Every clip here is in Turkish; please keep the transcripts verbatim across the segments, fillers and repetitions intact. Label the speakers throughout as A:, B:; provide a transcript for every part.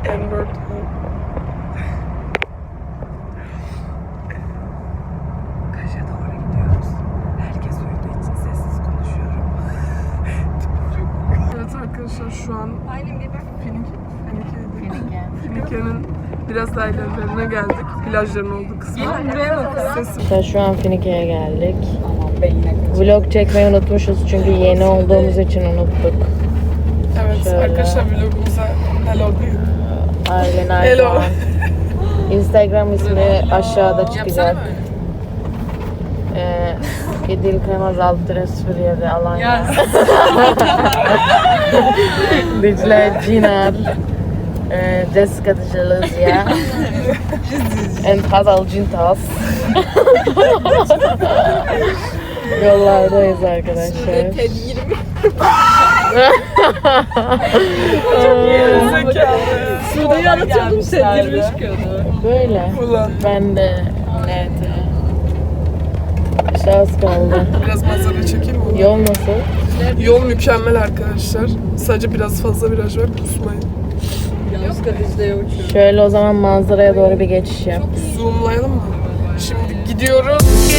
A: N-word. Kaş'a doğru gidiyoruz. Herkes uyuduğu için sessiz konuşuyorum. Evet arkadaşlar şu an Finike, Finike, Finike'nin biraz daha ilerlerine geldik. Plajların olduğu kısma.
B: İşte şu an Finike'ye geldik. Vlog çekmeyi unutmuşuz çünkü yeni olduğumuz için unuttuk.
A: Evet
B: Şöyle.
A: arkadaşlar vlogumuza hello deyin.
B: Aynen aynen.
A: Hello.
B: Instagram ismi aşağıda çıkacak. Ee, İdil Kremaz alt sıfır yedi Alanya. Dicle Cinar. Ee, Jessica Dicelizya. And Hazal Cintas. Yollardayız arkadaşlar.
A: Sude'yi anlatıyordum sen yirmi üç çıkıyordu.
B: Böyle.
A: Ulan.
B: Ben de evet. İşte az kaldı.
A: Biraz manzara çekeyim mi?
B: Yol nasıl?
A: Yol mükemmel arkadaşlar. Sadece biraz fazla viraj var, kusmayın.
B: Şöyle o zaman manzaraya doğru bir geçiş yap.
A: Zoomlayalım mı? Şimdi gidiyoruz.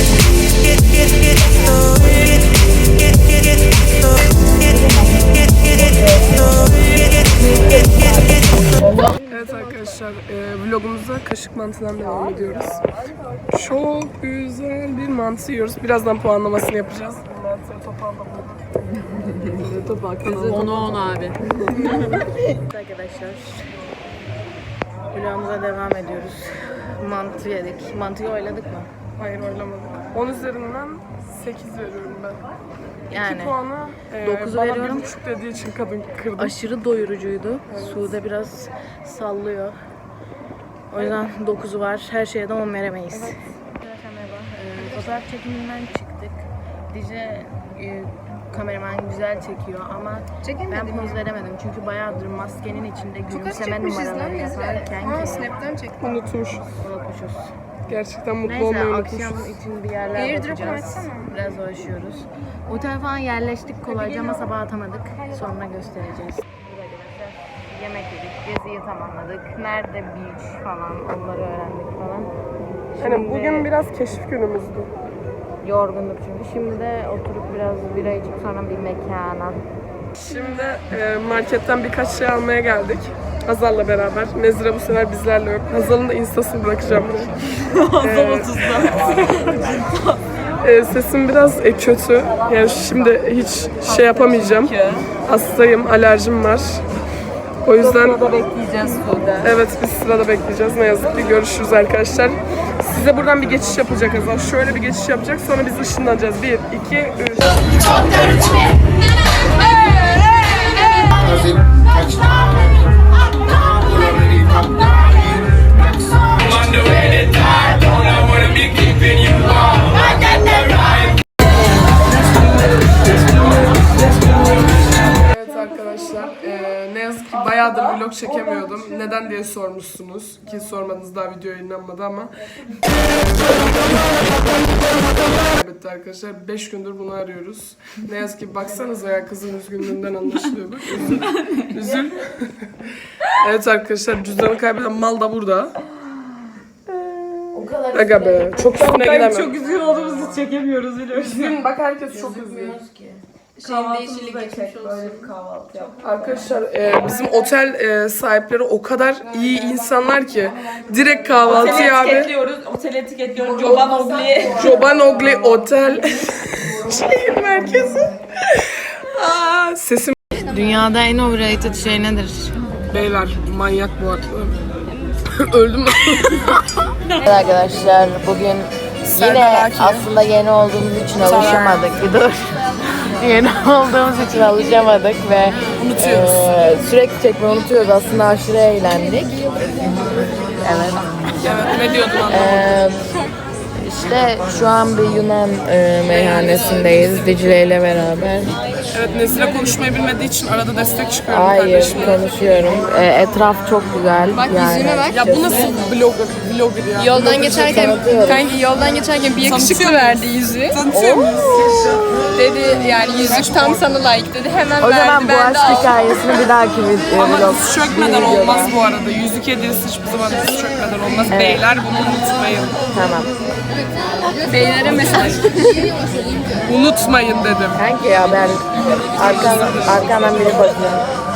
A: Evet arkadaşlar, e, vlogumuza kaşık mantıdan devam ediyoruz. Çok güzel bir mantı yiyoruz. Birazdan puanlamasını yapacağız. Mantıya topalda bulduk. Topal kanalı.
C: Onu on abi.
B: Arkadaşlar vlogumuza devam ediyoruz. Mantı yedik. Mantıyı oyladık mı?
A: Hayır oylamadık. on üzerinden sekiz veriyorum ben.
B: Yani
A: iki puanı e,
B: dokuzu
A: bana
B: veriyorum.
A: bir buçuk dediği için kadın kırdı.
B: aşırı doyurucuydu. Evet. Sude biraz sallıyor. O yüzden dokuzu var. Her şeye de on veremeyiz. Evet. Arkadaşlar merhaba. Ee, fotoğraf çekiminden çıktık. Dicle e, kameraman güzel çekiyor ama ben poz veremedim. Çünkü bayağıdır maskenin içinde gülümseme numaraları yaparken
C: Aa, Snap'ten çektim.
A: Unutmuşuz.
B: unutmuşuz.
A: Gerçekten mutlu
B: Neyse
A: olmayı
B: akşam
A: unutmuşuz.
B: için bir yerler
C: Airdrop'u
B: bakacağız.
C: açsana.
B: Biraz uğraşıyoruz. Otel falan yerleştik kolayca ama sabah atamadık. Sonra göstereceğiz. Arkadaşlar yemek yedik, geziyi tamamladık. Nerede beach falan onları öğrendik falan.
A: Hani bugün biraz keşif günümüzdü.
B: Yorgunduk çünkü. Şimdi de oturup biraz bira içip sonra bir mekana.
A: Şimdi e, marketten birkaç şey almaya geldik. Hazal'la beraber. Nezire bu sefer bizlerle yok. Hazal'ın da instasını bırakacağım buraya. Hazal otuzda. e, sesim biraz e, kötü. Yani şimdi hiç şey yapamayacağım. Hastayım, alerjim var. O yüzden
C: Sırada bekleyeceğiz Sude.
A: evet biz sırada bekleyeceğiz. Ne yazık ki görüşürüz arkadaşlar. Size buradan bir geçiş yapacak Hazal. Şöyle bir geçiş yapacak. Sonra biz ışınlanacağız. Bir, iki, üç. Evet arkadaşlar, eee, ne yazık ki bayağıdır vlog çekemiyordum. Neden diye sormuşsunuz. Ki sormadınız, daha video yayınlanmadı ama. Evet arkadaşlar, beş gündür bunu arıyoruz. Ne yazık ki baksanıza ya, kızın üzgünlüğünden anlaşılıyor. Bak, üzül. Üzül. Evet arkadaşlar, cüzdanı kaybeden mal da burada.
B: O kadar
A: Aga be, çok üstüne gidemem.
C: Çok üzgün olduğumuzu çekemiyoruz biliyorsun.
A: Üzgün, bak herkes çok üzgün.
C: Kahvaltımızı da çek, böyle bir kahvaltı yap.
A: Arkadaşlar e, bizim otel e, sahipleri o kadar iyi insanlar ki direkt kahvaltıyı abi.
C: Etiketliyoruz, oteli etiketliyoruz. Joban Ogli.
A: Joban Ogli Otel şehir merkezi. Aa, sesim
B: Dünyada en overrated şey nedir?
A: beyler manyak bu arada. Öldüm.
B: Evet arkadaşlar bugün yine aslında yeni olduğumuz için alışamadık. Bir dur. Yeni olduğumuz için alışamadık ve
A: Unutuyoruz.
B: e, sürekli çekmeyi unutuyoruz. Aslında aşırı eğlendik. Evet.
A: Evet, ne diyordun anlamadım.
B: E, işte şu an bir Yunan e, meyhanesindeyiz Dicle ile beraber.
A: Evet, Nezire konuşmayı bilmediği için arada destek çıkıyorum
B: Hayır,
A: kardeşim.
B: konuşuyorum. E, etraf çok güzel.
C: Bak
B: yani.
C: yüzüme bak.
A: Ya bu nasıl vlogger, vlogger ya?
C: Yoldan geçerken,
B: tanıtıyorum.
C: kanki yoldan geçerken bir yakışıklı
A: Tanıtıyor
C: verdi yüzü.
A: Tanıtıyor muyuz?
C: Dedi yani yüzük tam sana layık dedi. Hemen
B: O
C: verdi.
B: zaman bu
C: Ben de
B: aşk
C: aldım.
B: hikayesini bir dahaki bir
A: Ama
B: vlog.
A: diz çökmeden
B: bir
A: olmaz
B: videoda.
A: bu arada. Yüzük hediyesi hiçbir zaman diz çökmeden olmaz.
B: Evet.
A: Beyler bunu unutmayın.
B: Tamam.
C: Beylere mesaj.
A: Unutmayın dedim.
B: Kanki ya ben arkadan, arkadan biri bakıyor.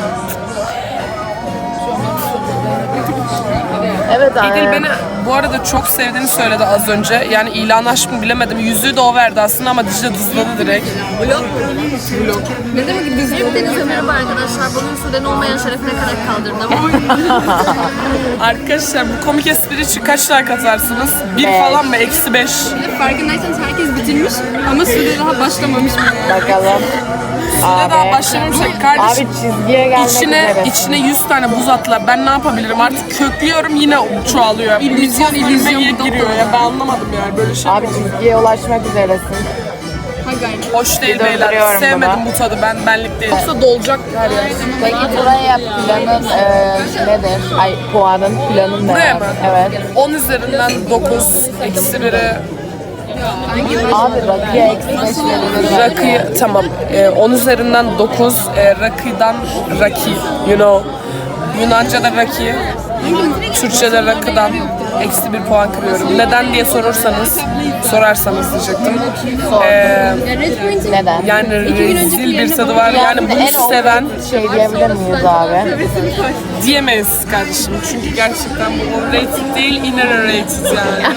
B: Evet
A: İdil
B: abi.
A: beni bu arada çok sevdiğini söyledi az önce. Yani ilan aşk mı bilemedim. Yüzüğü de o verdi aslında ama Dicle dızladı direkt.
C: Vlog mu? Vlog. Ne demek ki biz Hepinize merhaba arkadaşlar. Bugün Sude'nin olmayan şerefine kadar kaldırdım.
A: Arkadaşlar bu komik espri için kaç like atarsınız? Bir
B: Beş.
A: falan mı? Eksi beş.
C: Farkındaysanız herkes bitirmiş ama Sude daha başlamamış.
B: Bakalım.
A: Ne daha başlamamışsak kardeşim.
B: Abi çizgiye gelmek
A: İçine,
B: üzere.
A: içine yüz tane buz attılar. Ben ne yapabilirim? Artık köklüyorum yine çoğalıyor.
C: İllüzyon, illüzyon bu da
A: giriyor ya. Ben anlamadım yani böyle şey.
B: Abi çizgiye ulaşmak üzeresin.
C: Ha gayret.
A: Hoş değil
B: Bir
A: beyler.
B: döndürüyorum
A: Sevmedim
B: bunu.
A: bu tadı. Ben benlik değil. Yoksa dolacak her yer.
B: Peki buraya planın e, nedir? Ay puanın planın ne?
A: Buraya mı?
B: Evet.
A: on üzerinden dokuz. Eksi biri.
B: Abi rakıya eksi beş verilir.
A: Rakı tamam. Ee, on üzerinden dokuz. Ee, rakıdan raki. You know. Yunanca'da raki. Türkçe'de rakıdan eksi bir puan kırıyorum. Neden diye sorursanız, sorarsanız diyecektim. Ee,
B: Neden?
A: yani rezil bir tadı var. Yani bunu
B: en
A: seven
B: şey diyebilir miyiz abi?
A: diyemeyiz kardeşim. Çünkü gerçekten bu overrated değil, innerrated yani.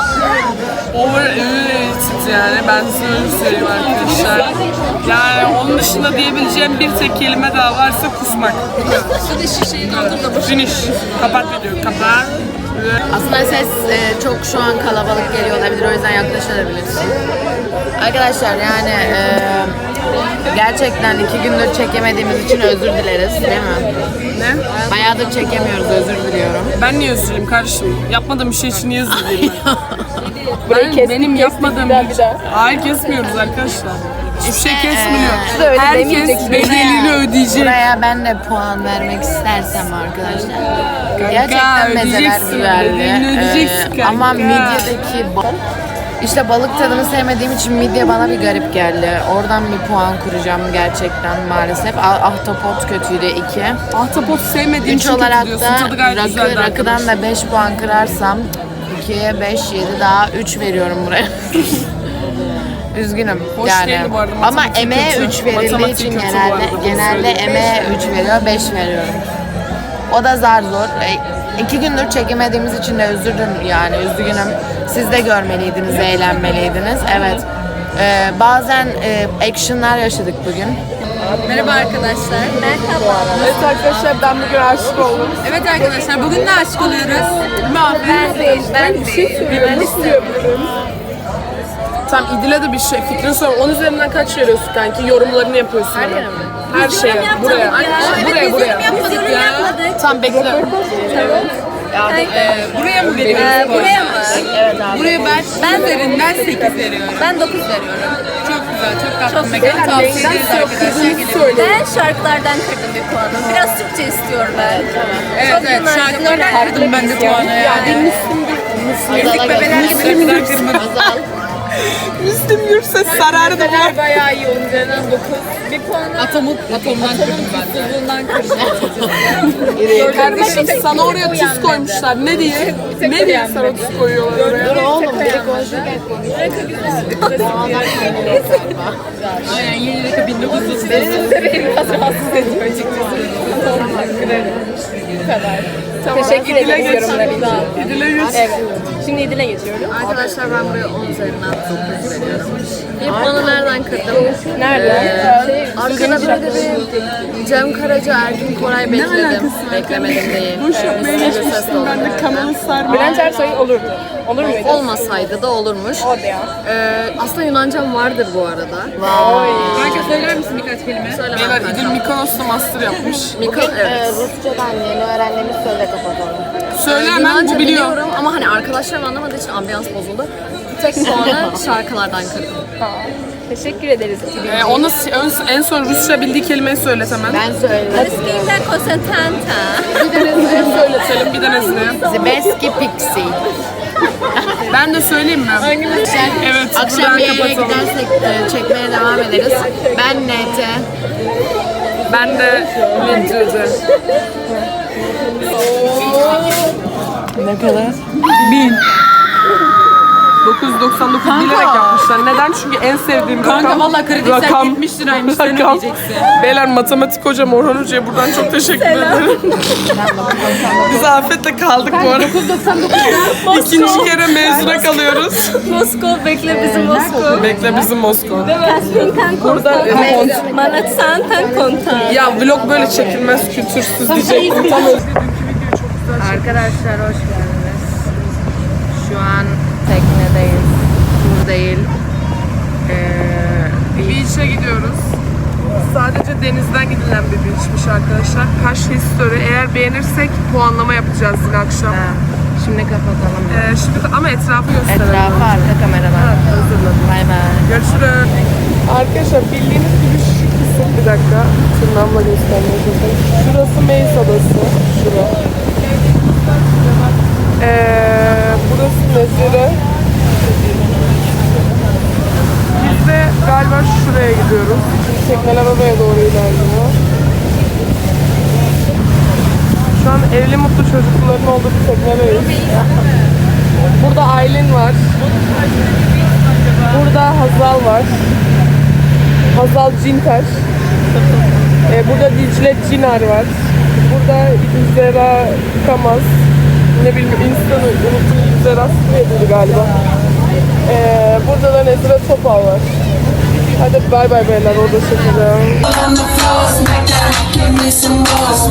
A: Overrated yani. Ben size öyle söyleyeyim arkadaşlar. Yani onun dışında diyebileceğim bir tek kelime daha varsa kusmak.
C: Sude şişeyi doldur da
A: Finish. Kapat videoyu. Kapat.
B: Aslında ses e, çok şu an kalabalık geliyor olabilir, o yüzden yaklaşabilirsin. Arkadaşlar yani e, gerçekten iki gündür çekemediğimiz için özür dileriz, değil mi?
A: Ne?
B: Bayağıdır çekemiyoruz, özür diliyorum.
A: Ben niye özür dileyim kardeşim? Yapmadığım bir şey için niye özür dileyim ben? ben benim yapmadığım bir şey. Hayır kesmiyoruz arkadaşlar. Hiçbir şey kesmiyor.
B: öyle
A: Herkes
B: demeyeceksin.
A: bedelini ödeyecek.
B: Buraya ben de puan vermek istersem arkadaşlar.
A: Kanka,
B: Gerçekten mezeler
A: ödeyeceksin,
B: güzeldi.
A: bedelini ödeyeceksin
B: Ee,
A: kanka.
B: ama midyedeki balık, işte balık tadını sevmediğim için midye bana bir garip geldi. Oradan bir puan kuracağım gerçekten maalesef. Ah- Ahtapot kötüydü iki.
A: Ahtapot sevmediğim
B: Üç
A: için kötü
B: olarak
A: diyorsun.
B: da
A: Tadı gayet
B: rakı,
A: güzeldi
B: rakıdan
A: arkadaş.
B: da beş puan kırarsam ikiye beş, yedi daha üç veriyorum buraya. Üzgünüm
A: Hoş
B: yani.
A: değildi bu arada,
B: Ama
A: matematik
B: emeğe
A: kötü.
B: üç verildiği
A: Matematik
B: için
A: kötü bu
B: genelde
A: arada, bunu
B: genelde
A: söyleyeyim.
B: emeğe üç veriyor, beş veriyorum. O da zar zor. E, iki gündür çekemediğimiz için de özürüm yani üzgünüm. Siz de görmeliydiniz, eğlenmeliydiniz. Evet. Ee, bazen e, actionlar yaşadık bugün.
C: Merhaba arkadaşlar. Merhaba.
A: Evet arkadaşlar ben bugün aşık oldum.
C: Evet arkadaşlar bugün de aşık oluyoruz.
A: Ben
C: değil, ben değil.
A: Ben istiyorum. Tamam İdil'e de bir şey fikrini sor. on üzerinden kaç veriyorsun kanki? Yorumlarını yapıyorsun. Her yere mi? Her şeye. Buraya. Buraya buraya.
C: Yapmadık ya. Yapmadık.
A: Tamam bekle.
C: Buraya mı veriyoruz? buraya mı?
B: Evet abi.
C: Buraya ben, ben üzerinden sekiz veriyorum. Ben dokuz veriyorum. Çok güzel, çok tatlı mekan. Tavsiye ederiz arkadaşlar. Gelebilir.
D: Ben şarkılardan kırdım bir puanı. Biraz Türkçe istiyorum ben.
C: Evet, evet. Şarkılardan kırdım ben de puanı yani. Müzik bebeler gibi şarkılar kırdım.
B: Azal.
A: Müslüm Gürses sarardı bu.
C: Bayağı iyi. Onun üzerinden dokuz. Bir puanı Atomuk, atomdan kırdım ben de. Atomdan kırdım.
A: Kardeşim sana oraya tuz koymuşlar. Ne diye? Ne diye sana tuz koyuyorlar oraya?
B: Dur oğlum, biri konuşurken konuşuyor.
C: Aynen yeni rakı bin dokuz yüz.
D: Teşekkür ediyorum.
A: İdil'e yüz.
D: Şimdi İdil'e geçiyorum.
C: Arkadaşlar ben buraya on üzerinden dokuz veriyorum. İlk puanı nereden kırdım?
D: Nerede?
C: Arkada böyle bir Cem Karaca, Erkin Koray bekledim. Beklemedim değil.
A: Boş yapmaya geçmiştim. Ben de kanalı sarmaya.
D: Bülent Ersoy olur. Olur muydu?
C: Olmasaydı da olurmuş.
D: Hadi ya.
C: Ee, aslında Yunancam vardır bu arada. Kanka söyler misin birkaç kelime? Söyle
A: Beyler İdil Mikonos'ta master yapmış.
C: Miko, evet.
B: Rusçadan yeni öğrendiğimiz sözle kapatalım.
A: Söyle hemen
C: Yunanca
A: bu biliyor.
C: biliyorum ama hani arkadaşlarım anlamadığı için ambiyans bozuldu. Tek puanı şarkılardan kırdım.
D: Teşekkür ederiz.
A: Ee, ona ön- en son Rusça bildiği kelimeyi söylet hemen.
B: Ben söyledim.
D: Ruskita konsentanta.
A: Bir de Nezli'ye söyletelim, bir de Nezli'ye.
B: Zebeski Pixie.
A: Ben de söyleyeyim mi? Evet,
B: Akşam
A: buradan
B: bir yere
A: kapatalım.
B: gidersek e, çekmeye devam ederiz. Ben N T.
A: Ben de Lincoln'de.
B: Ne kadar?
A: dokuz yüz doksan dokuz bilerek yapmışlar. Neden? Çünkü en sevdiğim
C: Kanka
A: rakam.
C: valla kredi yetmiş liraymış, sen
A: rakam.
C: ödeyeceksin.
A: Beyler matematik hocam Orhan Hoca'ya buradan çok teşekkür ederim. Biz afetle kaldık bu arada.
C: dokuz doksan dokuzda
A: İkinci kere mezuna kalıyoruz.
D: Moskova bekle bizi Moskova.
A: Bekle bizim Moskova.
D: Kaspinkan
A: Burada
D: kontan. Manatsantan kontan.
A: ya vlog böyle çekilmez, kültürsüz diyecektim. Tam özür.
B: Arkadaşlar hoş geldiniz. Şu an teknedeyiz. Tur değil. Ee,
A: Beach'e gidiyoruz. Sadece denizden gidilen bir beach'miş arkadaşlar. Kaş History. Eğer beğenirsek puanlama yapacağız yine akşam.
B: ha, şimdi kapatalım.
A: Ee, şimdi ama etrafı gösterelim.
B: Etrafı arka kameradan.
A: Hazırladım.
B: Bay bay.
A: Görüşürüz. Arkadaşlar bildiğiniz gibi şu kısım, bir dakika tırnağımla göstermeye çalışıyorum. Şurası Meis Adası. Şura. Ee, burası Nezire. Biz de galiba şuraya gidiyoruz. Tekneler oraya doğru ilerliyor. Şu an evli mutlu çocukların olduğu bir teknedeyiz. Burada Aylin var. Burada Hazal var. Hazal Cinter. Ee, burada Dicle Cinar var. Burada Zera Kamaz. Ne bileyim insanı unuttum. Zera Sıkıydı galiba. Ee, burada da Nezire Topal var. Hadi bay bay beyler, orada çekeceğim.
E: On the floor, smack that, give me some more.